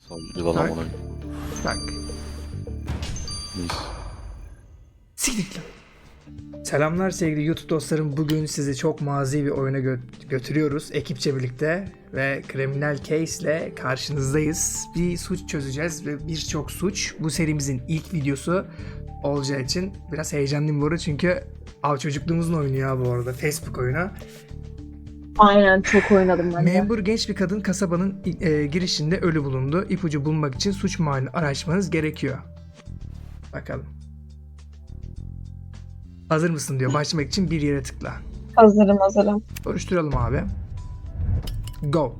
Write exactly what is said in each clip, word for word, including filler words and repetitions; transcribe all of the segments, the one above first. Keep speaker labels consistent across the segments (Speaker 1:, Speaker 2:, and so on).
Speaker 1: Tamam, yılan
Speaker 2: Tak.
Speaker 1: onu.
Speaker 2: Tak.
Speaker 1: Mis.
Speaker 2: Siktir lan. Selamlar sevgili YouTube dostlarım. Bugün sizi çok mazi bir oyuna gö- götürüyoruz ekipçe birlikte ve Criminal Case ile karşınızdayız. Bir suç çözeceğiz ve birçok suç. Bu serimizin ilk videosu olacağı için biraz heyecanlıyım bu arada çünkü av çocukluğumuzun oyunu ya bu arada, Facebook oyunu.
Speaker 3: Aynen, çok oynadım ben de.
Speaker 2: Memur genç bir kadın kasabanın e, girişinde ölü bulundu. İpucu bulmak için suç mahallini araştırmanız gerekiyor. Bakalım. Hazır mısın diyor. Başlamak için bir yere tıkla.
Speaker 3: Hazırım hazırım.
Speaker 2: Soruşturalım abi. Go.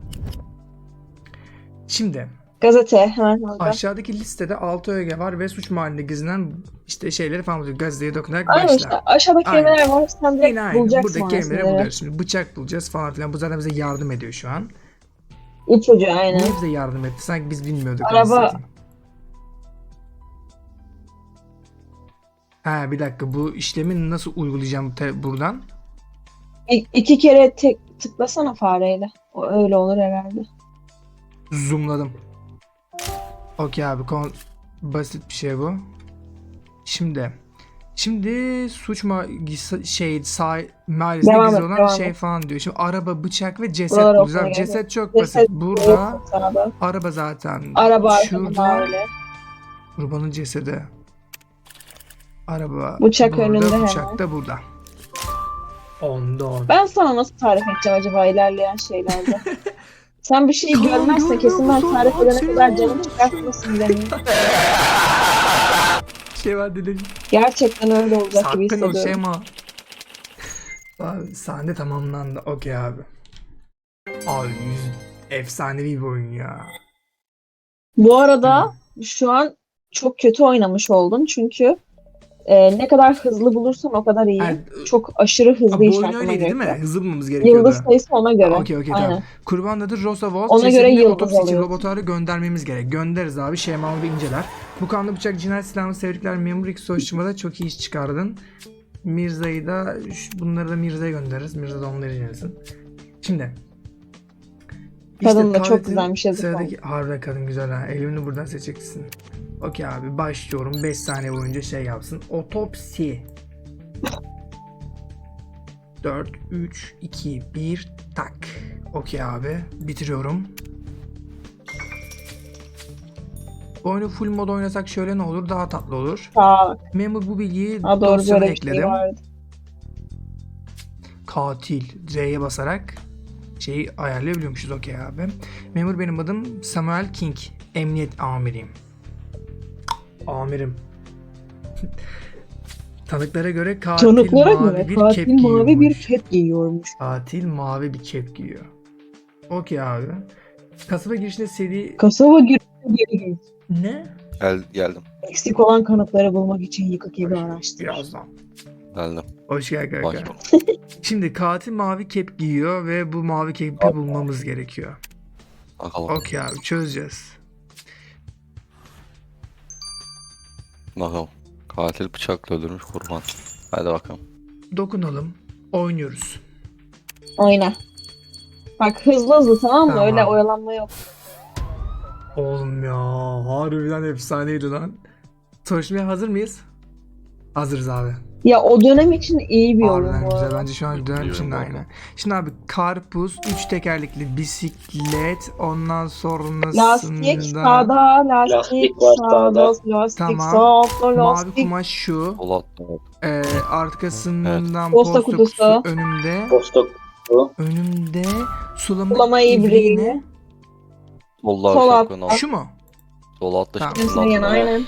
Speaker 2: Şimdi
Speaker 3: Gazete hemen orada.
Speaker 2: aşağıdaki listede altı öge var ve suç mahallinde gizlenen işte şeyleri falan buluyor. Gazeteye dokunarak
Speaker 3: Aynen
Speaker 2: başla.
Speaker 3: işte aşağıda
Speaker 2: Aynen.
Speaker 3: kelimeler var, sen direkt
Speaker 2: Yine aynı.
Speaker 3: bulacaksın
Speaker 2: Buradaki kelimeleri
Speaker 3: aslında.
Speaker 2: buluyoruz. Şimdi bıçak bulacağız falan filan. Bu zaten bize yardım ediyor şu an.
Speaker 3: İpucu aynen.
Speaker 2: Niye bize yardım etti? Sanki biz bilmiyorduk.
Speaker 3: Araba-
Speaker 2: anasını satayım. Ha bir dakika, bu işlemi nasıl uygulayacağım te- buradan?
Speaker 3: İ- iki kere tek tıklasana fareyle. O öyle olur herhalde.
Speaker 2: Zoomladım. Okey abi, kon- basit bir şey bu. Şimdi Şimdi suç ma gis- şey sağ mahallesinde
Speaker 3: Devam
Speaker 2: gizli
Speaker 3: et,
Speaker 2: olan
Speaker 3: devam
Speaker 2: şey
Speaker 3: et.
Speaker 2: falan diyor. Şimdi araba, bıçak ve ceset
Speaker 3: Buraları
Speaker 2: bulacağız.
Speaker 3: okumaya
Speaker 2: Abi
Speaker 3: gerek
Speaker 2: ceset çok
Speaker 3: Ceset
Speaker 2: basit. Burada
Speaker 3: yok sağda.
Speaker 2: araba zaten.
Speaker 3: Araba
Speaker 2: Şurada
Speaker 3: arkada öyle.
Speaker 2: kurbanın cesedi. Araba
Speaker 3: Bıçak
Speaker 2: burada,
Speaker 3: önünde hemen.
Speaker 2: bıçak da burada. Onda on.
Speaker 3: Ben sana nasıl tarif edeceğim acaba ilerleyen şeylerde? Sen bir şeyi
Speaker 2: Kaan,
Speaker 3: görmezsen
Speaker 2: görmüyor
Speaker 3: kesin ben
Speaker 2: musun?
Speaker 3: tarif
Speaker 2: Bak
Speaker 3: edene
Speaker 2: senin
Speaker 3: kadar canım
Speaker 2: oğlum.
Speaker 3: çıkartmasın demeyin.
Speaker 2: Şey var dedim.
Speaker 3: Gerçekten öyle olacak gibi
Speaker 2: Sakın o
Speaker 3: hissediyorum.
Speaker 2: Şema. Abi sahne tamamlandı. Okey abi. Abi yüz efsanevi bir oyun ya.
Speaker 3: Bu arada şu an çok kötü oynamış oldun çünkü e, ne kadar hızlı bulursan o kadar iyi.
Speaker 2: Yani,
Speaker 3: Çok aşırı hızlı
Speaker 2: Abi, bu oyun
Speaker 3: işaretlemen
Speaker 2: öyleydi değil mi?
Speaker 3: gerekiyor.
Speaker 2: Hızlı bulmamız gerekiyordu.
Speaker 3: Yıldız sayısı ona göre.
Speaker 2: Okey okey
Speaker 3: Aynen.
Speaker 2: tamam. Kurban adı Rosa Walt.
Speaker 3: Ona göre
Speaker 2: Cesedini
Speaker 3: yıldız
Speaker 2: otopsi için
Speaker 3: alıyorsun.
Speaker 2: laboratuvara göndermemiz gerek. Göndeririz abi. Şemalı bir inceler. Bu kanlı bıçak cinayet silahını tebrikler. Memur iki soruşturmada çok iyi iş çıkardın. Mirza'yı da şu- bunları da Mirza'ya göndeririz. Mirza da onları incelesin. Şimdi.
Speaker 3: Kadın da çok
Speaker 2: tuvaletin
Speaker 3: güzelmiş, yazık
Speaker 2: Sıradaki harbiden kadın güzel ha. Elini buradan seçeceksin. Okey abi başlıyorum. beş saniye boyunca şey yapsın. Otopsi. dört, üç, iki, bir, tak. Okey abi. Bitiriyorum. Bu oyunu full mod oynasak şöyle ne olur? Daha tatlı olur.
Speaker 3: Sağ
Speaker 2: Memur bu bilgiyi
Speaker 3: Ha, doğru,
Speaker 2: dosyana
Speaker 3: böyle bir şey
Speaker 2: ekledim.
Speaker 3: vardı.
Speaker 2: Katil. R'ye basarak şeyi ayarlayabiliyormuşuz. Okey abi. Memur benim adım Samuel King. Emniyet amiriyim. Amirim. Tanıklara göre katil
Speaker 3: Tanıklara
Speaker 2: mavi
Speaker 3: göre
Speaker 2: bir
Speaker 3: katil
Speaker 2: kep
Speaker 3: mavi bir
Speaker 2: giyiyormuş.
Speaker 3: kep giyiyormuş.
Speaker 2: Katil mavi bir kep giyiyor. Okey abi. Kasaba girişinde seri...
Speaker 3: Kasaba girişine geri git.
Speaker 2: Ne?
Speaker 1: Gel, geldim.
Speaker 3: Eksik olan kanıtları bulmak için yıkık evi araştır.
Speaker 2: Birazdan.
Speaker 1: Geldim.
Speaker 2: Hoş geldin kanka.
Speaker 1: Başla.
Speaker 2: Şimdi katil mavi kep giyiyor ve bu mavi kepi bulmamız gerekiyor.
Speaker 1: Bakalım.
Speaker 2: Okey abi çözeceğiz.
Speaker 1: Bakalım. Katil bıçakla öldürmüş kurban. Hadi bakalım.
Speaker 2: Dokunalım. Oynuyoruz.
Speaker 3: Oyna. Bak hızlı hızlı, tamam mı?
Speaker 2: Tamam.
Speaker 3: Öyle oyalanma yok.
Speaker 2: Oğlum ya harbiden efsaneydi lan. Soruşturmaya hazır mıyız? Hazırız abi.
Speaker 3: Ya o dönem için iyi bir oyun
Speaker 2: Harbiden
Speaker 3: bu
Speaker 2: güzel.
Speaker 3: arada.
Speaker 2: Bence şu an dönem
Speaker 1: Biliyorum
Speaker 2: için de
Speaker 1: bu
Speaker 2: aynı.
Speaker 1: arada.
Speaker 2: Şimdi abi karpuz, üç tekerlekli bisiklet, ondan sonrasında
Speaker 3: Lastik sağda, lastik,
Speaker 4: Lastik var
Speaker 3: sağda,
Speaker 4: sağda.
Speaker 3: lastik
Speaker 2: Tamam.
Speaker 3: sağda,
Speaker 2: mavi
Speaker 3: lastik.
Speaker 2: kumaş şu.
Speaker 1: Polat.
Speaker 2: Ee, arkasından
Speaker 3: Posta
Speaker 2: posta,
Speaker 3: kutusu.
Speaker 2: kutusu önümde.
Speaker 4: Posta kutusu.
Speaker 2: Önümde sulama,
Speaker 3: Sulama
Speaker 2: ibriği
Speaker 3: ibriği.
Speaker 2: ne?
Speaker 1: Solda
Speaker 3: Sol
Speaker 1: aşağı
Speaker 3: altta.
Speaker 1: yukarı.
Speaker 2: Şu mu?
Speaker 1: Sol altta
Speaker 2: Tamam.
Speaker 1: şimdi.
Speaker 3: Hepsine yan aynen.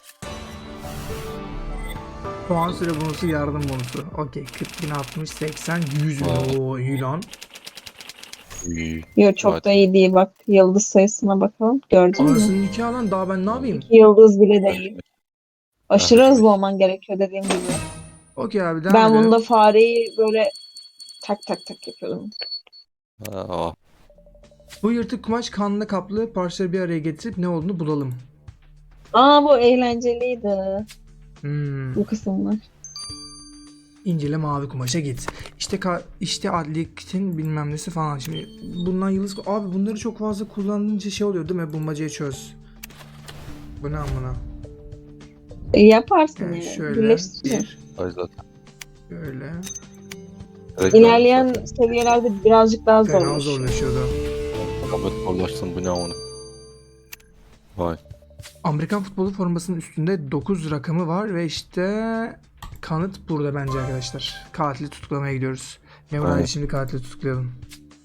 Speaker 2: Puan süre bonusu, yardım bonusu. Okey. kırk bin, altmış, seksen, yüz bin.
Speaker 1: Wow.
Speaker 2: Oo iyi lan.
Speaker 1: İyi.
Speaker 3: Yok çok
Speaker 1: Evet.
Speaker 3: da iyi değil, bak yıldız sayısına bakalım. Gördün mü?
Speaker 2: Anasının nikahı lan, daha ben ne yapayım?
Speaker 3: İki yıldız bile değil. Aşırı
Speaker 1: Evet.
Speaker 3: hızlı olman gerekiyor dediğim gibi.
Speaker 2: Okey abi devam
Speaker 3: Ben
Speaker 2: edelim.
Speaker 3: bunda fareyi böyle tak tak tak yapıyordum.
Speaker 1: Aa,
Speaker 2: Bu yırtık kumaş kanla kaplı parçaları bir araya getirip ne olduğunu bulalım.
Speaker 3: Aa, bu eğlenceliydi
Speaker 2: Hmm.
Speaker 3: bu kısımlar.
Speaker 2: İncele mavi kumaşa git. İşte ka işte adliyetin bilmem nesi falan. Şimdi bundan yıldız... Abi bunları çok fazla kullanınca şey oluyor değil mi? Bulmacayı çöz. Bu ne amına?
Speaker 3: E, yaparsın
Speaker 2: Yani
Speaker 3: yani.
Speaker 2: şöyle
Speaker 3: Birleştirin.
Speaker 2: bir,
Speaker 1: Ay zaten.
Speaker 2: böyle.
Speaker 1: Direkt
Speaker 3: İlerleyen
Speaker 1: zaten.
Speaker 3: seviyelerde birazcık daha
Speaker 2: Fena
Speaker 3: zorlaşıyor.
Speaker 2: zorlaşıyordu.
Speaker 1: Ahmet zorlaştın bu ne amına. Vay.
Speaker 2: Amerikan futbolu formasının üstünde dokuz rakamı var ve işte kanıt burada bence arkadaşlar. Katili tutuklamaya gidiyoruz. Memur
Speaker 1: Aynen.
Speaker 2: hadi şimdi katili tutuklayalım.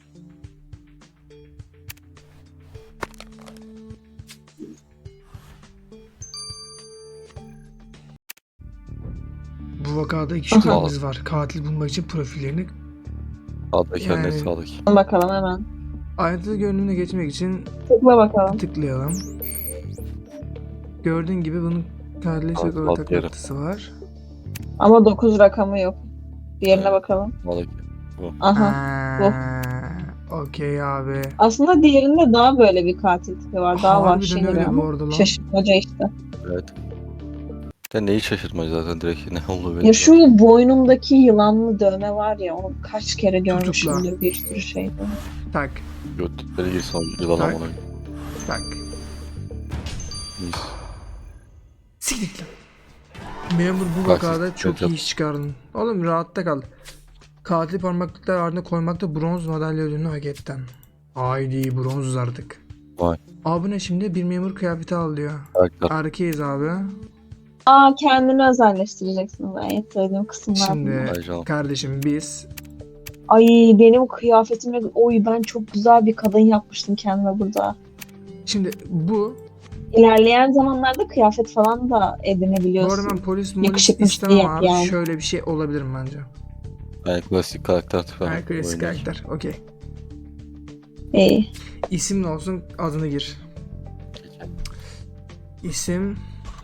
Speaker 2: Bu vakada iki
Speaker 3: Aha.
Speaker 2: şüphelimiz var. Katil bulmak için profillerini
Speaker 1: Sağdaki
Speaker 2: Yani-
Speaker 1: yani... sağdaki.
Speaker 3: Bakalım hemen.
Speaker 2: ayrıntılı görünümüne geçmek için
Speaker 3: Tıkla bakalım.
Speaker 2: tıklayalım. Gördüğün gibi bunun katille çok
Speaker 1: Alt-
Speaker 2: ortak
Speaker 1: alt yeri.
Speaker 2: noktası var.
Speaker 3: Ama dokuz rakamı yok. Diğerine
Speaker 1: Evet.
Speaker 3: bakalım.
Speaker 1: Sağdaki.
Speaker 3: Aha.
Speaker 2: Aa, Okey abi.
Speaker 3: Aslında diğerinde daha böyle bir katil tipi var. Daha
Speaker 2: Harbiden
Speaker 3: vahşi
Speaker 2: öyle
Speaker 3: duruyor
Speaker 2: bu
Speaker 3: ama
Speaker 2: arada lan.
Speaker 3: şaşırtmaca işte.
Speaker 1: Evet. De neyi şaşırtmacı zaten direkt ne oldu benim.
Speaker 3: Ya şu boynumdaki yılanlı dövme var ya onu kaç kere
Speaker 2: Tutukla.
Speaker 3: görmüşümdür bir sürü şeyde.
Speaker 2: Tak
Speaker 1: Götleri girsin yılan
Speaker 2: Tak.
Speaker 1: amına.
Speaker 2: tak.
Speaker 1: Mis.
Speaker 2: Siktir lan. Memur bu
Speaker 1: Bak,
Speaker 2: vakada
Speaker 1: siz-
Speaker 2: çok
Speaker 1: yok,
Speaker 2: iyi
Speaker 1: yok.
Speaker 2: iş çıkardın. Oğlum rahatta kal. Katil parmaklıklar ardına koymakta bronz madalya ödülünü hak ettin. Haydi bronzuz artık.
Speaker 1: Vay.
Speaker 2: Abi ne şimdi? Bir memur kıyafeti al diyor.
Speaker 1: Karakter.
Speaker 2: Erkeğiz abi.
Speaker 3: Aa kendini özelleştireceksin. Ben en sevdiğim kısımlar
Speaker 2: Şimdi
Speaker 3: bunlar.
Speaker 1: Ay canım.
Speaker 2: kardeşim biz
Speaker 3: Ay benim kıyafetimle oy ben çok güzel bir kadın yapmıştım kendime burada.
Speaker 2: şimdi bu
Speaker 3: İlerleyen zamanlarda kıyafet falan da
Speaker 2: bu arada
Speaker 3: edinebiliyorsun.
Speaker 2: ben polis molis
Speaker 3: Yakışıklı
Speaker 2: istemem
Speaker 3: şey yap
Speaker 2: abi.
Speaker 3: yani.
Speaker 2: Şöyle bir şey olabilirim bence.
Speaker 1: Yani klasik karakter tipi.
Speaker 2: Her klasik
Speaker 1: Oyuncu.
Speaker 2: karakter. Okey.
Speaker 3: İyi.
Speaker 2: İsim ne olsun? Adını gir. İsim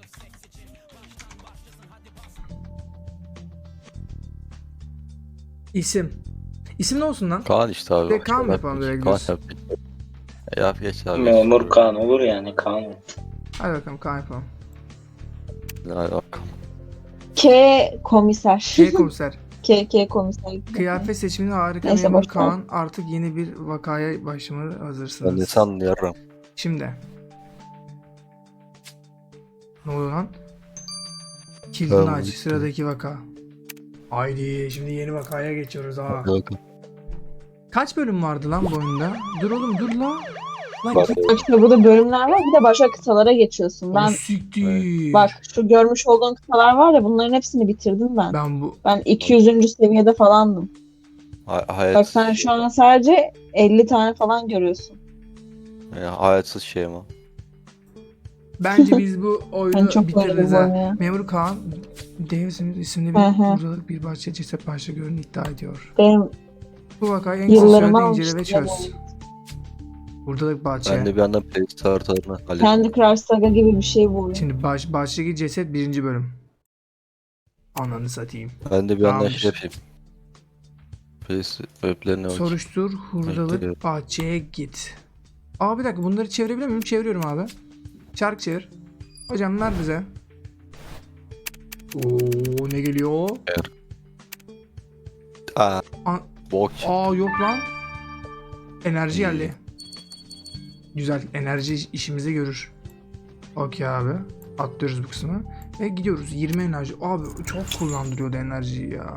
Speaker 2: İsim. İsim ne olsun lan?
Speaker 1: Kaan işte abi.
Speaker 2: Direkt Kaan mı
Speaker 1: Yap
Speaker 2: yapalım,
Speaker 1: geç.
Speaker 2: direkt
Speaker 1: Kaan
Speaker 2: diyorsun?
Speaker 1: yap geç. E, Yap geç abi.
Speaker 4: Memur Kaan olur yani Kaan.
Speaker 2: Hadi bakalım Kaan yapalım.
Speaker 1: Hadi bakalım.
Speaker 3: K komiser.
Speaker 2: Şey komiser.
Speaker 3: K K komiser.
Speaker 2: Kıyafet seçiminde harika
Speaker 3: Neyse,
Speaker 2: memur
Speaker 3: boş ver.
Speaker 2: Kaan. Artık yeni bir vakaya başlamaya
Speaker 1: Ben de
Speaker 2: hazırsınız.
Speaker 1: sanıyorum.
Speaker 2: Şimdi. Ne oluyor lan? Kilidini
Speaker 1: Tamam,
Speaker 2: aç.
Speaker 1: bitti.
Speaker 2: Sıradaki vaka. Haydi şimdi yeni vakaya geçiyoruz ha.
Speaker 1: Hadi bakalım.
Speaker 2: Kaç bölüm vardı lan bu oyunda? Dur oğlum dur la. Lan
Speaker 1: Bak,
Speaker 2: git.
Speaker 3: İşte burada bölümler var. Bir de başka kıtalara geçiyorsun.
Speaker 2: Ben...
Speaker 3: Ben
Speaker 2: Siktir.
Speaker 3: bak şu görmüş olduğun kıtalar var ya bunların hepsini bitirdim ben.
Speaker 2: Ben bu
Speaker 3: Ben iki yüzüncü seviyede falandım.
Speaker 1: hay- hayat,
Speaker 3: Bak sen şu an sadece elli tane falan görüyorsun.
Speaker 1: e, hayatsız şey ama.
Speaker 2: bence biz bu oyunu
Speaker 3: Ben çok
Speaker 2: bitiririz
Speaker 3: bayıldım bu
Speaker 2: ha.
Speaker 3: oyuna ya.
Speaker 2: Memur Kaan Davis'in isimli bir
Speaker 3: Hı hı.
Speaker 2: buradalık bir bahçe ceset parça gördüğünü iddia ediyor.
Speaker 3: Benim
Speaker 2: Bu vakayı en kısa
Speaker 3: yıllarımı
Speaker 2: sürede incele ve
Speaker 3: almıştı.
Speaker 2: çöz. Buradalık bahçe.
Speaker 1: Ben de bir yandan playlist haritalarını hallettim.
Speaker 3: Candy Crush Saga gibi bir şey bu oyun.
Speaker 2: Şimdi baş, bahçedeki ceset birinci bölüm. Ananı satayım.
Speaker 1: Ben de bir yandan
Speaker 2: Tamamdır.
Speaker 1: şey yapayım. Playlist weblerine bakayım.
Speaker 2: Soruştur, hurdalık
Speaker 1: Bekliyorum.
Speaker 2: bahçeye git. Aa bir dakika bunları çevirebilir miyim? Çeviriyorum abi. Çark çevir. Hocam ver bize. Oo ne geliyor?
Speaker 1: Aa,
Speaker 2: Aa,
Speaker 1: bok.
Speaker 2: aa yok lan. Enerji geldi. Güzel. Enerji işimizi görür. Okey abi. Atlıyoruz bu kısmı. Ve gidiyoruz. yirmi enerji. Abi çok kullandırıyordu enerjiyi ya.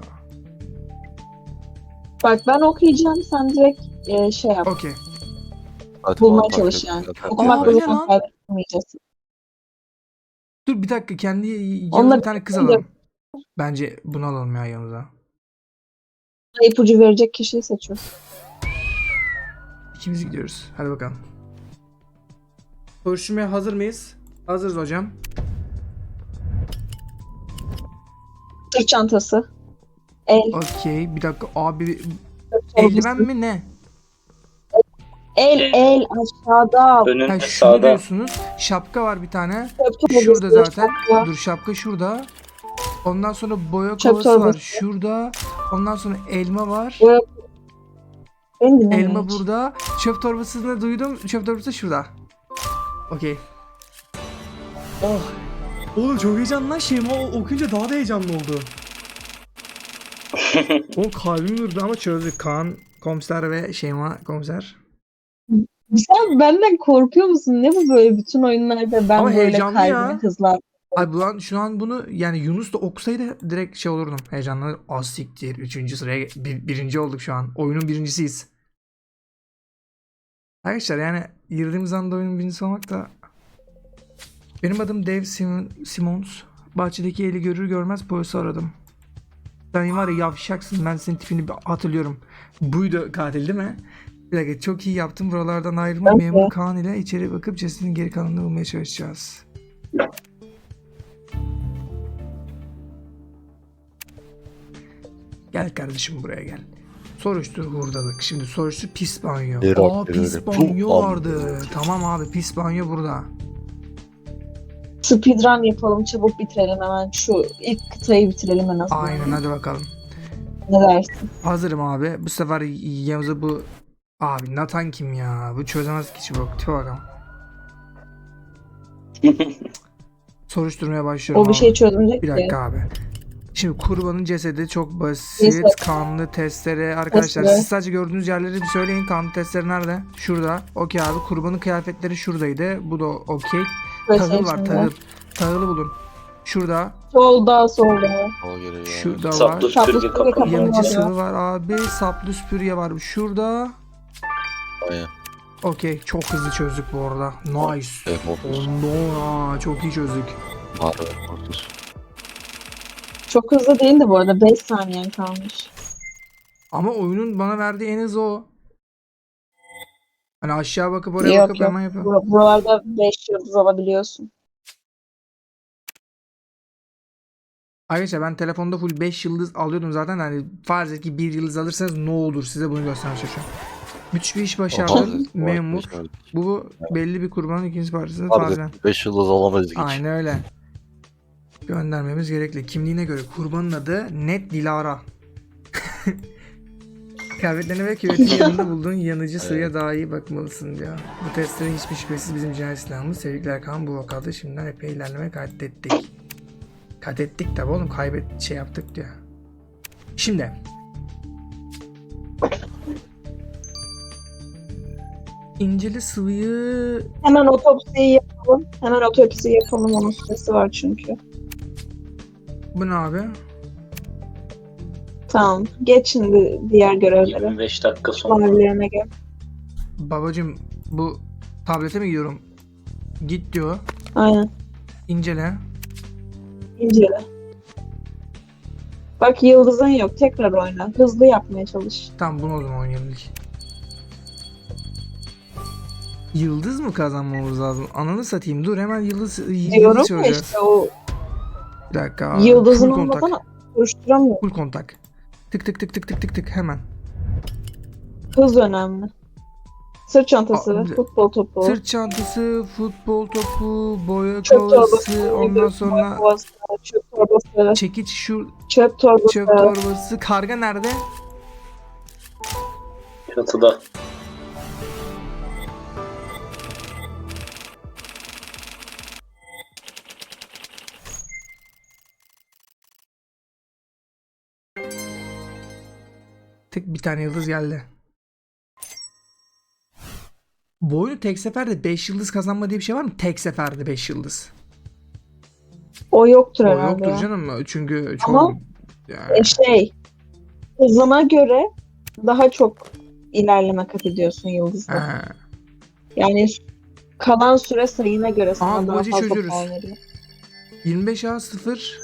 Speaker 3: Bak ben okuyacağım sen direkt e, şey yap.
Speaker 2: Okey.
Speaker 1: Hadi
Speaker 3: bulmaya
Speaker 1: bak,
Speaker 3: çalış
Speaker 1: bak,
Speaker 3: yani.
Speaker 1: bak, bak,
Speaker 3: Okumak
Speaker 2: Aa,
Speaker 3: da
Speaker 2: ne
Speaker 3: zaten
Speaker 2: lan?
Speaker 3: kaybetmeyeceğiz.
Speaker 2: Dur bir dakika. Kendi yanımıza
Speaker 3: Onunla
Speaker 2: bir tane kız
Speaker 3: birlikte-
Speaker 2: alalım. Bence bunu alalım ya yanımıza.
Speaker 3: İpucu verecek kişiyi seçiyoruz.
Speaker 2: İkimiz gidiyoruz. Hadi bakalım. Soruşturmaya hazır mıyız? Hazırız hocam.
Speaker 3: Sırt çantası. El.
Speaker 2: Okey. Bir dakika. Abi
Speaker 3: torbası.
Speaker 2: eldiven mi ne?
Speaker 3: El el aşağıda.
Speaker 4: Önünde
Speaker 2: Ha, şunu
Speaker 4: sağda.
Speaker 2: diyorsunuz. Şapka var bir tane.
Speaker 3: Çöp torbası,
Speaker 2: Şurada zaten.
Speaker 3: şapka.
Speaker 2: Dur şapka şurada. Ondan sonra boya
Speaker 3: Çöp
Speaker 2: kovası var
Speaker 3: torbası.
Speaker 2: şurada. Ondan sonra elma var.
Speaker 3: Boya- Beni dinleme
Speaker 2: Elma
Speaker 3: hiç.
Speaker 2: burada. Çöp torbasını duydum. Çöp torbası şurada. Okey. Oh. Oğlum çok heyecanlı lan şeyim. O okuyunca daha da heyecanlı oldu. O kalbim durdu ama çözdük. Kaan komiser ve Şeyma komiser.
Speaker 3: Sen benden korkuyor musun? Ne bu böyle bütün oyunlarda ben
Speaker 2: Ama
Speaker 3: böyle
Speaker 2: heyecanlı
Speaker 3: kalbimi
Speaker 2: ya.
Speaker 3: hızlar.
Speaker 2: Ay bu an şu an bunu yani Yunus da okusaydı direkt şey olurdum. Heyecanlı. Az siktir. Üçüncü sıraya bir, birinci olduk şu an. Oyunun birincisiyiz. Arkadaşlar yani girdiğimiz anda oyunun birincisi olmak da. Benim adım Dave Simon, Simons. Bahçedeki eli görür görmez polisi aradım. Sen var ya yavşaksın, ben senin tipini bir hatırlıyorum. Buydu katil değil mi? Bir dakika, çok iyi yaptın. Buralardan ayrılma.
Speaker 3: Evet.
Speaker 2: Memur Kaan ile içeri bakıp cesedin geri kalanını bulmaya çalışacağız. Gel kardeşim buraya gel. Soruştur hurdalık. Şimdi soruştur pis banyo.
Speaker 1: Geri
Speaker 2: Aa
Speaker 1: bak,
Speaker 2: pis
Speaker 1: geri.
Speaker 2: banyo
Speaker 1: Puh,
Speaker 2: vardı. Tamam abi, pis banyo burada.
Speaker 3: Speedrun yapalım, çabuk bitirelim hemen. Şu ilk kıtayı bitirelim en azından.
Speaker 2: Aynen, hadi bakalım.
Speaker 3: Ne dersin?
Speaker 2: Hazırım abi. Bu sefer Yavuz'a bu... Abi Nathan kim ya? Bu çözemez ki çubuk. Tipe bakalım. Soruşturmaya başlıyorum
Speaker 3: O bir
Speaker 2: abi.
Speaker 3: şey çözümecek
Speaker 2: Bir
Speaker 3: ki.
Speaker 2: dakika abi. Şimdi kurbanın cesedi çok basit.
Speaker 3: Ceset.
Speaker 2: Kanlı testere. Arkadaşlar
Speaker 3: Testere.
Speaker 2: siz sadece gördüğünüz yerleri bir söyleyin. Kanlı testere nerede? Şurada. Okey abi. Kurbanın kıyafetleri şuradaydı. Bu da okey. Tahıl var, tahıl. Tahılı bulun. Şurada.
Speaker 3: Solda, solda.
Speaker 1: Al geri ya.
Speaker 2: Şurada var.
Speaker 4: Saplı
Speaker 3: Saplı
Speaker 4: süpürge
Speaker 3: süpürge
Speaker 4: kapalı.
Speaker 3: kapalı.
Speaker 2: Yanıcı
Speaker 3: var
Speaker 2: sıvı var abi. Saplı süpürge var. Şurada.
Speaker 1: Aynen.
Speaker 2: Okey. Çok hızlı çözdük bu arada. Nice.
Speaker 1: Evet, Mortis.
Speaker 2: Onda çok iyi çözdük.
Speaker 1: Harbi Mortis.
Speaker 3: Çok hızlı değildi bu arada. beş saniyen kalmış.
Speaker 2: Ama oyunun bana verdiği en hızlı o. Hani aşağı bakıp oraya
Speaker 3: Yok
Speaker 2: bakıp
Speaker 3: yok.
Speaker 2: hemen yapıyor.
Speaker 3: Bur- Buralarda beş yıldız alabiliyorsun.
Speaker 2: Arkadaşlar ben telefonda full beş yıldız alıyordum zaten. Hani farz et ki bir yıldız alırsanız ne olur, size bunu göstermeye çalışıyorum. Müthiş bir iş başardın. Memur. Bu belli bir kurbanın ikinci parçası falan.
Speaker 1: beş yıldız alamayız hiç.
Speaker 2: Aynen öyle. Göndermemiz gerekli. Kimliğine göre kurbanın adı Net Dilara. Kıyafetlerine ve küvetin yanında bulduğun yanıcı sıvıya daha iyi bakmalısın diyor. Bu testlerin hiçbir şüphesiz bizim cinayet silahımız. Tebrikler Kaan, bu vakada şimdiden epey ilerleme kaydettik. Kaydettik tabi oğlum, kaybet şey yaptık diyor. Şimdi. İnceli sıvıyı...
Speaker 3: Hemen otopsiyi yapalım. Hemen otopsiyi yapalım. Onun süresi var çünkü.
Speaker 2: Bu ne abi?
Speaker 3: Tamam. Geç şimdi diğer görevlere.
Speaker 4: yirmi beş dakika sonra.
Speaker 3: Mavilerine gel.
Speaker 2: Babacım bu tablete mi gidiyorum? Git diyor.
Speaker 3: Aynen.
Speaker 2: İncele.
Speaker 3: İncele. Bak yıldızın yok. Tekrar oyna. Hızlı yapmaya çalış.
Speaker 2: Tamam, bunu o zaman oynayalım ilk. Yıldız mı kazanmamız lazım? Ananı satayım. Dur hemen yıldız, yıldız
Speaker 3: Diyorum ya
Speaker 2: çözeceğiz.
Speaker 3: işte o
Speaker 2: Bir dakika. abi.
Speaker 3: yıldızın
Speaker 2: Full kontak.
Speaker 3: olmadan oluşturamıyor.
Speaker 2: Full kontak. Tık tık tık tık tık tık tık hemen.
Speaker 3: Hız önemli. Sırt çantası,
Speaker 2: Aa,
Speaker 3: futbol topu,
Speaker 2: Sırt çantası, futbol topu, boya
Speaker 3: çöp
Speaker 2: kovası,
Speaker 3: torbası,
Speaker 2: ondan sonra
Speaker 3: kovası, çöp torbası,
Speaker 2: çekiç, şu
Speaker 3: çöp torbası,
Speaker 2: çöp torbası. Karga nerede?
Speaker 4: Çatıda.
Speaker 2: Tık, bir tane yıldız geldi. Bu oyunu tek seferde beş yıldız kazanma diye bir şey var mı? Tek seferde beş yıldız.
Speaker 3: o yoktur
Speaker 2: O
Speaker 3: herhalde.
Speaker 2: yoktur
Speaker 3: ya.
Speaker 2: canım. Çünkü çok...
Speaker 3: Ama
Speaker 2: Yani-
Speaker 3: E şey, hızına göre daha çok ilerleme kat ediyorsun yıldızda.
Speaker 2: Ha.
Speaker 3: Yani kalan süre sayına göre sana
Speaker 2: Aa, bu
Speaker 3: daha
Speaker 2: acıyı
Speaker 3: fazla
Speaker 2: çözüyoruz.
Speaker 3: puan veriyor.
Speaker 2: yirmi beş A sıfır.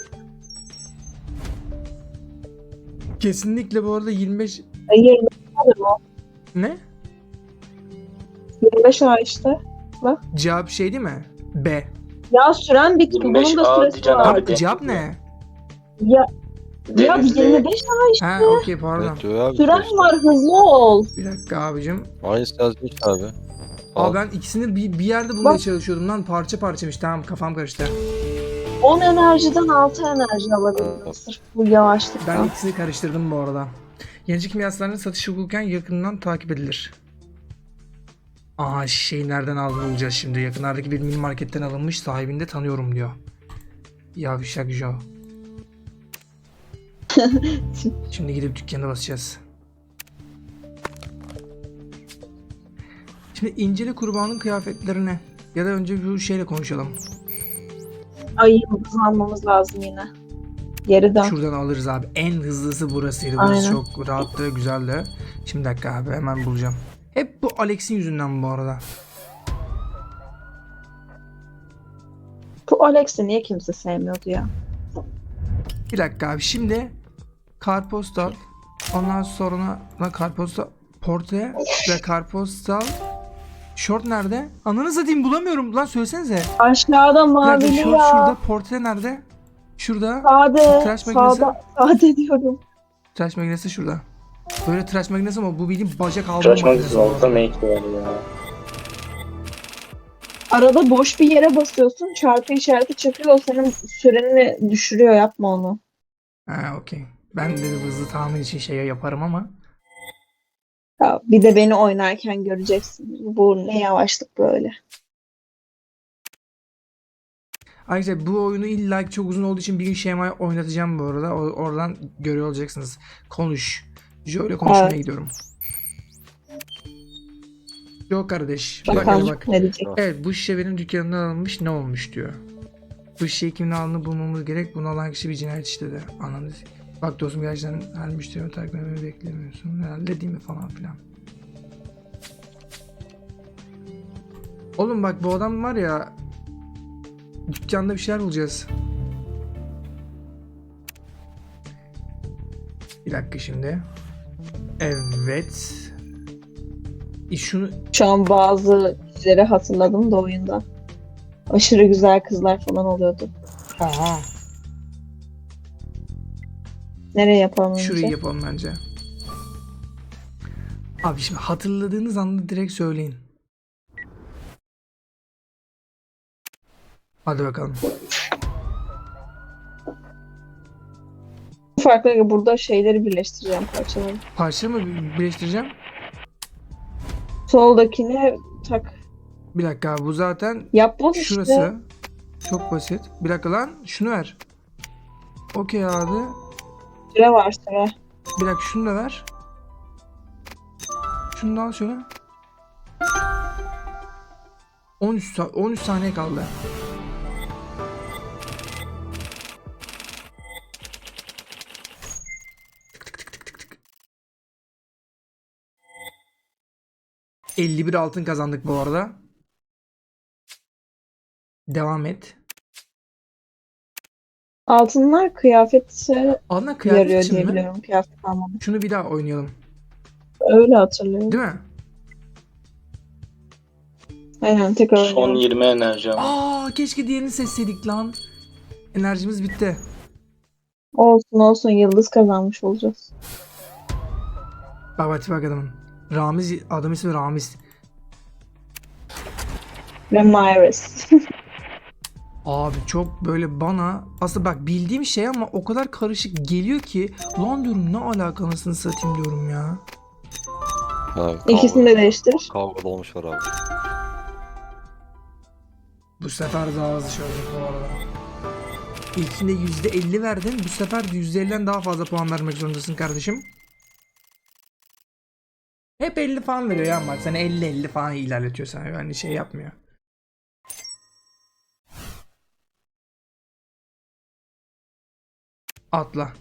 Speaker 2: Kesinlikle bu arada yirmi beş...
Speaker 3: E, yirmi beş o.
Speaker 2: Ne?
Speaker 3: yirmi beş A işte.
Speaker 2: Cevap şey değil mi? B.
Speaker 3: Ya süren bitti.
Speaker 4: yirmi beş
Speaker 3: Bunun da
Speaker 4: A
Speaker 3: süresi
Speaker 4: diyeceksin
Speaker 3: var.
Speaker 4: abi.
Speaker 2: Abi cevap ne?
Speaker 3: Ya, ya
Speaker 4: Denizli.
Speaker 3: yirmi beş A işte.
Speaker 2: Ha okey pardon.
Speaker 1: Evet diyor abi.
Speaker 3: Süren
Speaker 1: işte.
Speaker 3: var, hızlı ol.
Speaker 2: Bir dakika abicim.
Speaker 1: Aynısı yazmış abi.
Speaker 2: Aa ben ikisini bir, bir yerde bulmaya
Speaker 3: Bak.
Speaker 2: çalışıyordum lan, parça parçaymış. Tamam, kafam karıştı.
Speaker 3: on enerjiden altı enerji alabilirim.
Speaker 1: Evet.
Speaker 3: Sırf bu yavaşlıktan.
Speaker 2: Ben ikisini karıştırdım bu arada. Yenici kimyasalların satışı hukuken yakından takip edilir. Aa şey nereden aldığını bulacağız şimdi. Yakınlardaki bir mini marketten alınmış, sahibini de tanıyorum diyor. Yavşak Joe. Şimdi gidip dükkana basacağız. Şimdi incele kurbanın kıyafetlerine. Ya da önce bu şeyle konuşalım.
Speaker 3: Ay yıldız almamız lazım yine. Geri dön.
Speaker 2: Şuradan alırız abi. En hızlısı burasıydı. Burası
Speaker 3: Aynen.
Speaker 2: çok rahattı, güzeldi. Şimdi dakika abi hemen bulacağım. Hep bu Alex'in yüzünden bu arada.
Speaker 3: Bu Alex'i niye kimse sevmiyordu ya?
Speaker 2: Bir dakika abi. Şimdi karpostal. Ondan sonra la karpostal portre ve karpostal short nerede? Ananı satayım bulamıyorum. Lan söylesenize.
Speaker 3: Aşağıda
Speaker 2: Bir dakika,
Speaker 3: mavili
Speaker 2: short
Speaker 3: ya.
Speaker 2: şurada, portre nerede? Şurada.
Speaker 3: Sade.
Speaker 2: Tıraş makinesi.
Speaker 3: Sağda. Sade diyorum.
Speaker 2: Tıraş makinesi şurada. Böyle tıraş makinesi ama bu bildiğin bacak alma
Speaker 4: Tıraş
Speaker 2: makinesi.
Speaker 4: makinesi olsa make var ya.
Speaker 3: Arada boş bir yere basıyorsun. Çarpı işareti çıkıyor. O senin süreni düşürüyor. Yapma onu.
Speaker 2: Ha okey. Ben de hızlı tahmin için şey yaparım ama.
Speaker 3: Ya, bir de beni oynarken göreceksin. Bu ne yavaşlık böyle.
Speaker 2: Ayrıca bu oyunu illa ki çok uzun olduğu için bir gün şemayı oynatacağım bu arada. O- oradan görüyor olacaksınız. Konuş. Joe ile konuşmaya
Speaker 3: Evet.
Speaker 2: gidiyorum. Joe kardeş. Bak,
Speaker 3: Bakalım
Speaker 2: bak.
Speaker 3: ne diyecek.
Speaker 2: Evet bu şişe benim dükkanımdan alınmış, ne olmuş diyor. Bu şişeyi kimin aldığını bulmamız gerek. Bunu alan kişi bir cinayet işledi. Anladınız. Bak dostum gerçekten her müşterimi takip etmeyi beklemiyorsun. Herhalde değil mi falan filan. Oğlum bak bu adam var ya, dükkanda bir şeyler bulacağız. Bir dakika şimdi. Evet. E şunu
Speaker 3: Şu an bazı kişileri hatırladım da oyunda. Aşırı güzel kızlar falan oluyordu.
Speaker 2: aha
Speaker 3: Nereye yapalım önce?
Speaker 2: şurayı yapalım bence. Abi şimdi hatırladığınız anda direkt söyleyin. Hadi bakalım.
Speaker 3: Farklı burada şeyleri birleştireceğim parçaları.
Speaker 2: Parça mı bir- birleştireceğim?
Speaker 3: Soldakine tak.
Speaker 2: Bir dakika bu zaten
Speaker 3: Yap bunu işte.
Speaker 2: şurası. Çok basit. Bir dakika lan şunu ver. Okey abi.
Speaker 3: Süre var süre.
Speaker 2: Bir dakika şunu da ver. Şunu da al şöyle. on üç sa- on üç saniye kaldı. elli bir altın kazandık bu arada. Devam et.
Speaker 3: Altınlar kıyafete
Speaker 2: Ana kıyafet
Speaker 3: yarıyor
Speaker 2: için
Speaker 3: diye
Speaker 2: mi?
Speaker 3: biliyorum. Kıyafet almadım.
Speaker 2: Şunu bir daha oynayalım.
Speaker 3: Öyle hatırlıyorum.
Speaker 2: Değil mi?
Speaker 3: Aynen tekrar
Speaker 4: Son
Speaker 3: oynayalım.
Speaker 4: yirmi enerji ama.
Speaker 2: Aa keşke diğerini seçseydik lan. Enerjimiz bitti.
Speaker 3: Olsun olsun yıldız kazanmış olacağız.
Speaker 2: Bak bak bak adamın. Ramiz, adam ismi Ramiz.
Speaker 3: Ve Myris.
Speaker 2: Abi çok böyle bana aslında bak bildiğim şey ama o kadar karışık geliyor ki lan diyorum ne alaka anasını satayım diyorum ya.
Speaker 1: Ha,
Speaker 3: İkisini de değiştir.
Speaker 1: Kavga da olmuşlar abi.
Speaker 2: Bu sefer daha hızlı çözdük bu arada. İlkinde yüzde elli verdin. Bu sefer yüzde elliden daha fazla puan vermek zorundasın kardeşim. Hep elli falan veriyor ya bak sen elli elli falan ilerletiyor sana yani şey yapmıyor. Atla.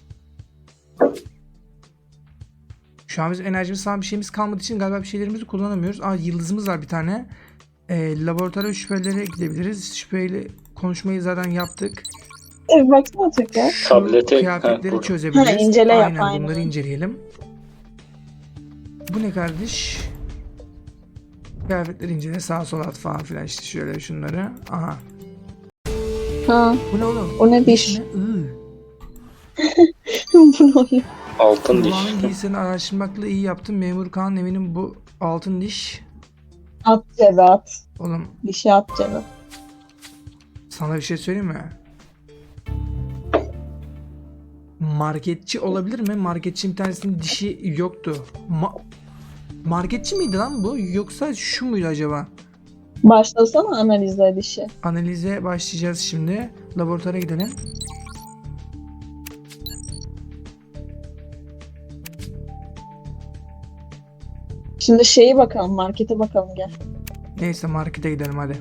Speaker 2: Şu an biz enerjimiz falan bir şeyimiz kalmadığı için galiba bir şeylerimizi kullanamıyoruz. Aa yıldızımız var bir tane. Ee, laboratuvara şüphelere gidebiliriz. Şüpheyle konuşmayı zaten yaptık.
Speaker 3: E, baksana tekrar.
Speaker 2: Şu
Speaker 4: Tablete-
Speaker 2: kıyafetleri
Speaker 4: ha,
Speaker 2: çözebiliriz.
Speaker 3: Ha, incele yap,
Speaker 2: aynen,
Speaker 3: aynen.
Speaker 2: bunları inceleyelim. Bu ne kardeş? Kıyafetleri incele, sağa sola at falan filan işte şöyle şunları. Aha.
Speaker 3: Ha,
Speaker 2: Bu ne oğlum?
Speaker 3: o ne diş?
Speaker 2: Ne? Iı.
Speaker 3: Bu ne oluyor?
Speaker 4: Altın diş.
Speaker 2: Kulağının giysini araştırmakla iyi yaptım. Memur Kaan eminim bu altın diş.
Speaker 3: At cebe at.
Speaker 2: Oğlum
Speaker 3: Dişi at cebe.
Speaker 2: sana bir şey söyleyeyim mi? Marketçi olabilir mi? Marketçi bir tanesinin dişi yoktu. Ma- Marketçi miydi lan bu? Yoksa şu muydu acaba?
Speaker 3: Başlasana analize dişi.
Speaker 2: Analize başlayacağız şimdi. Laboratuvara gidelim.
Speaker 3: Şimdi şeyi bakalım, markete bakalım gel.
Speaker 2: Neyse markete gidelim hadi.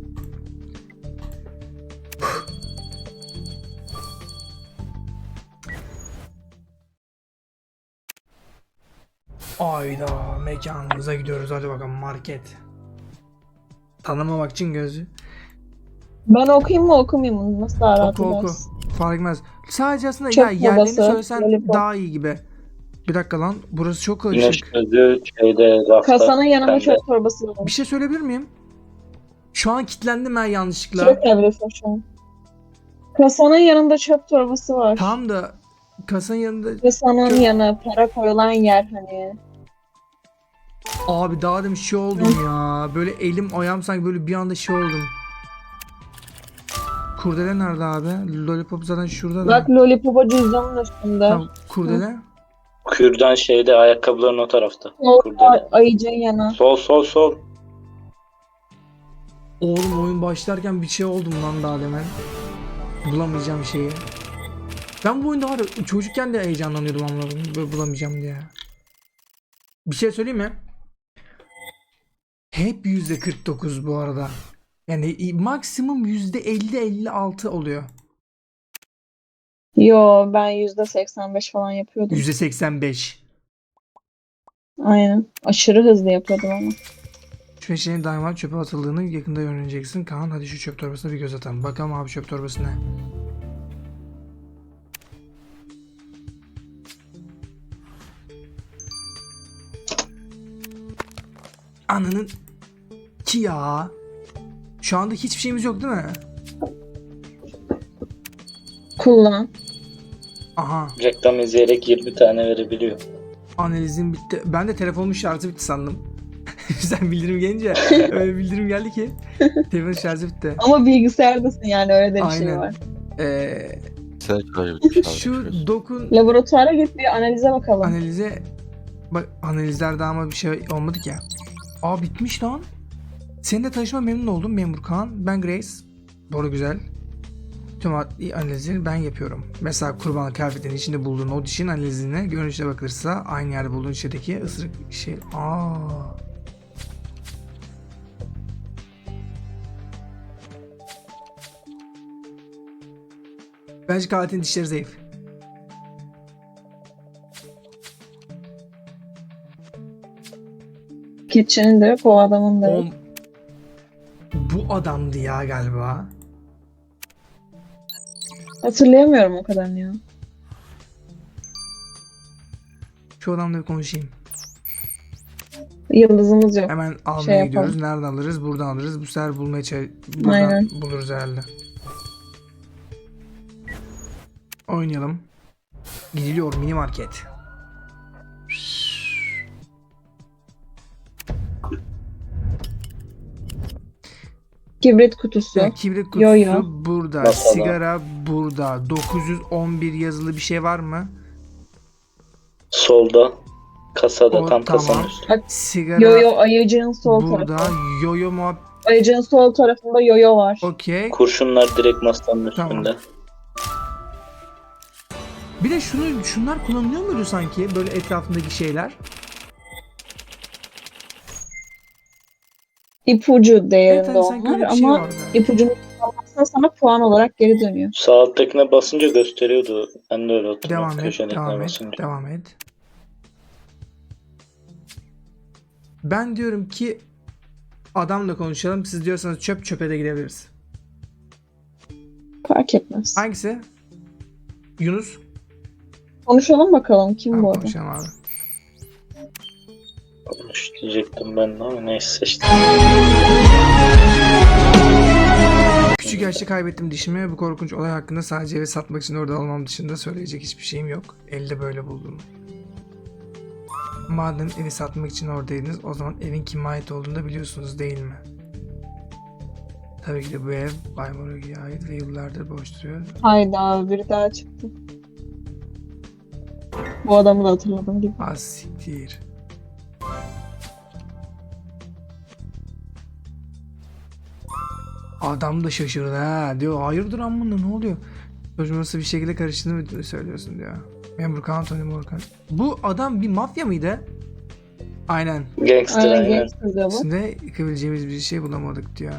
Speaker 2: Ayda mekanımıza gidiyoruz, hadi bakalım market. Tanımamak için gözü.
Speaker 3: Ben okuyayım mı okumayayım mı? Nasıl daha rahat
Speaker 2: Oku oku.
Speaker 3: edersin?
Speaker 2: Fark etmez. Sadece aslında
Speaker 3: Çöp
Speaker 2: ya yerlerini
Speaker 3: kovası,
Speaker 2: söylesen
Speaker 3: lollipop.
Speaker 2: daha iyi gibi. Bir dakika lan, burası çok
Speaker 4: Güneş
Speaker 2: karışık.
Speaker 4: gözü şeyde rafta.
Speaker 3: Kasanın yanında
Speaker 4: pembe.
Speaker 3: çöp torbası var.
Speaker 2: Bir şey söyleyebilir miyim? Şu an kilitlendim ben yanlışlıkla.
Speaker 3: Sürekli yapıyorsun şu an. Kasanın yanında çöp torbası var.
Speaker 2: Tamam da kasanın yanında
Speaker 3: Kasanın
Speaker 2: Çöp-
Speaker 3: yanı, para koyulan yer hani.
Speaker 2: abi daha demin şey oldum ya. Böyle elim ayağım sanki böyle bir anda şey oldum. Kurdele nerede abi? Lollipop zaten şurada da.
Speaker 3: Bak Lollipop'a cüzdanın üstünde.
Speaker 2: Tamam, kurdele.
Speaker 4: Kürdan şeyde ayakkabıların o tarafta.
Speaker 3: Sol
Speaker 4: Kurdele.
Speaker 3: ayıcın yanı.
Speaker 4: Sol sol sol.
Speaker 2: Oğlum oyun başlarken bir şey oldum lan daha demin. Bulamayacağım şeyi. Ben bu oyunda var ya, çocukken de heyecanlanıyordum ama böyle bulamayacağım diye. Bir şey söyleyeyim mi? Hep yüzde kırk dokuz bu arada. Yani maksimum yüzde elli elli altı oluyor.
Speaker 3: Yo ben yüzde seksen beş falan yapıyordum.
Speaker 2: yüzde seksen beş.
Speaker 3: Aynen. Aşırı hızlı yapıyordum ama.
Speaker 2: Şu eşeğin daima çöpe atıldığını yakında öğreneceksin. Kaan hadi şu çöp torbasına bir göz atalım. Bakalım abi çöp torbası ne? Ananın ki ya. Şu anda hiçbir şeyimiz yok değil mi?
Speaker 3: Kullan.
Speaker 2: Aha,
Speaker 4: Reklam izleyerek yirmi tane verebiliyor.
Speaker 2: analizim bitti. Ben de telefonumun şarjı bitti sandım. Sen bildirim gelince öyle bildirim geldi ki telefonun şarjı bitti.
Speaker 3: Ama bilgisayardasın yani öyle de bir şey
Speaker 2: Aynen.
Speaker 3: var.
Speaker 2: Ee,
Speaker 1: Sen şöyle bir şey
Speaker 2: şu dokun
Speaker 3: Laboratuvara git bir analize bakalım.
Speaker 2: analize bak, analizlerde ama bir şey olmadı ki. Aa bitmiş lan. Seninle tanışma memnun oldum memur Kaan. Ben Grace. Doğru güzel. Tüm adli analizleri ben yapıyorum. Mesela kurbanlık kıyafetinin içinde bulduğun o dişin analizine görünüşe bakılırsa aynı yerde bulduğun içindeki ısırık şey. Aa. Bence katilin dişleri zayıf.
Speaker 3: Kitchen'in de yok, o adamın da yok.
Speaker 2: O, bu adamdı ya galiba.
Speaker 3: Hatırlayamıyorum o kadarını ya.
Speaker 2: Şu adamla bir konuşayım.
Speaker 3: Yıldızımız yok.
Speaker 2: Hemen almaya
Speaker 3: Şey yapalım.
Speaker 2: gidiyoruz. Nereden alırız? Buradan alırız. Bu sefer bulmaya çalış... Buradan
Speaker 3: Aynen.
Speaker 2: buluruz herhalde. Oynayalım. Gidiliyor mini market.
Speaker 3: Kibrit kutusu.
Speaker 2: Ya, kibrit kutusu
Speaker 3: Yo, yo.
Speaker 2: burada.
Speaker 4: Masada.
Speaker 2: Sigara burada. dokuz yüz on bir yazılı bir şey var mı?
Speaker 4: Solda. Kasada
Speaker 2: O,
Speaker 4: tam kasanın
Speaker 2: tamam.
Speaker 4: üstü.
Speaker 2: Sigara
Speaker 3: Yo yo ayıcığın sol
Speaker 2: burada.
Speaker 3: tarafı.
Speaker 2: Yoyo muhab...
Speaker 3: Ayıcığın sol tarafında yoyo var.
Speaker 2: Okey.
Speaker 4: Kurşunlar direkt masanın
Speaker 2: Tamam.
Speaker 4: üstünde.
Speaker 2: Bir de şunu şunlar kullanılıyor muydu sanki? Böyle etrafındaki şeyler.
Speaker 3: İpucu değerinde
Speaker 2: Evet, hani sanki
Speaker 3: onlar
Speaker 2: öyle bir şey
Speaker 3: ama
Speaker 2: vardı.
Speaker 3: ipucunu kullanmazsan sana puan olarak geri dönüyor.
Speaker 4: Sağ alttakine basınca gösteriyordu. Ben de öyle hatırlıyorum.
Speaker 2: Devam et,
Speaker 4: Köşedekine
Speaker 2: devam et,
Speaker 4: basınca.
Speaker 2: devam et. Ben diyorum ki adamla konuşalım. Siz diyorsanız çöp çöpe de gidebiliriz.
Speaker 3: Fark etmez.
Speaker 2: Hangisi? Yunus.
Speaker 3: Konuşalım bakalım kim
Speaker 2: Tamam,
Speaker 3: bu adam.
Speaker 2: konuşalım abi.
Speaker 4: Konuş diyecektim ben de ama neyse işte.
Speaker 2: Küçük yaşta kaybettim dişimi. Bu korkunç olay hakkında sadece evi satmak için orada olmam dışında söyleyecek hiçbir şeyim yok. Elde böyle buldum. Madem evi satmak için oradaydınız, o zaman evin kime ait olduğunu da biliyorsunuz değil mi? Tabii ki de bu ev Bay Morogi'ye ait ve yıllardır boş duruyor.
Speaker 3: Hayda biri daha çıktı. Bu adamı da hatırladım gibi.
Speaker 2: Az siktir. Adam da şaşırdı ha. Diyor hayırdır amına ne oluyor? Çocuğun nasıl bir şekilde karıştığını mı söylüyorsun diyor. Memur Kaan, Tony Morgan. Bu adam bir mafya mıydı? Aynen.
Speaker 4: Gangster
Speaker 3: Aynen
Speaker 4: aynen.
Speaker 3: gangster diyor bu.
Speaker 2: Üstünde yıkabileceğimiz bir şey bulamadık diyor.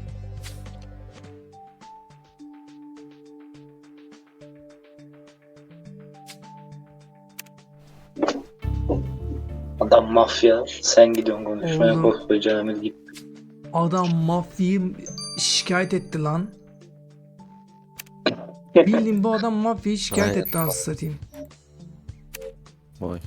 Speaker 4: Adam mafya. Sen gidiyorsun konuşmaya
Speaker 2: Oğlum.
Speaker 4: koskoca git.
Speaker 2: Adam mafyayı şikayet etti lan. Bildiğin bu adam mafyayı şikayet
Speaker 1: Vay.
Speaker 2: etti anasını satayım.
Speaker 1: Vay.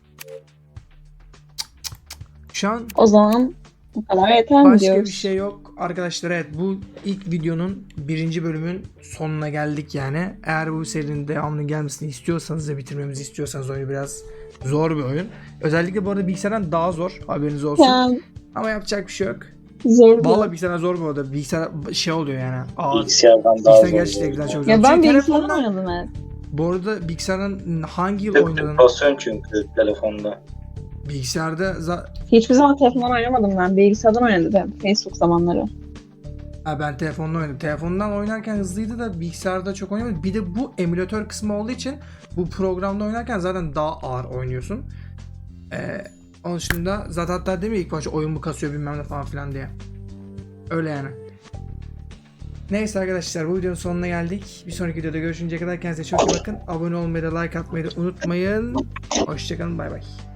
Speaker 2: Şu an
Speaker 3: O zaman bu kadar yeter mi
Speaker 2: başka
Speaker 3: diyoruz?
Speaker 2: bir şey yok. Arkadaşlar evet bu ilk videonun birinci bölümün sonuna geldik yani. Eğer bu serinin devamlı gelmesini istiyorsanız ve bitirmemizi istiyorsanız oyunu biraz zor bir oyun. Özellikle bu arada bilgisayardan daha zor haberiniz olsun.
Speaker 3: Yani
Speaker 2: Ama yapacak bir şey yok.
Speaker 3: zor
Speaker 2: Vallahi
Speaker 3: diyor.
Speaker 2: bilgisayardan zor bu arada. Bilgisayar şey oluyor yani. Ağır.
Speaker 4: Bilgisayardan daha
Speaker 2: Bilgisayar
Speaker 4: zor.
Speaker 2: gerçekten çok zor.
Speaker 3: Ya ben
Speaker 2: Çünkü
Speaker 3: bilgisayardan
Speaker 2: telefondan-
Speaker 3: oynadım evet.
Speaker 2: Bu arada bilgisayardan hangi yıl
Speaker 4: Tık
Speaker 2: oynadın?
Speaker 4: tık basıyorsun çünkü telefonda.
Speaker 2: Bilgisayarda za-
Speaker 3: Hiçbir zaman telefondan oynamadım ben. Bilgisayardan oynadım. Facebook zamanları.
Speaker 2: ha, ben telefonla oynadım. Telefondan oynarken hızlıydı da bilgisayarda çok oynamadım. Bir de bu emülatör kısmı olduğu için bu programda oynarken zaten daha ağır oynuyorsun. Ee, onun dışında zaten hatta demiyor ilk başta oyun mu kasıyor bilmem ne falan filan diye. Öyle yani. Neyse arkadaşlar bu videonun sonuna geldik. Bir sonraki videoda görüşünceye kadar kendinize çok iyi bakın. Abone olmayı da like atmayı da unutmayın. Hoşçakalın bay bay.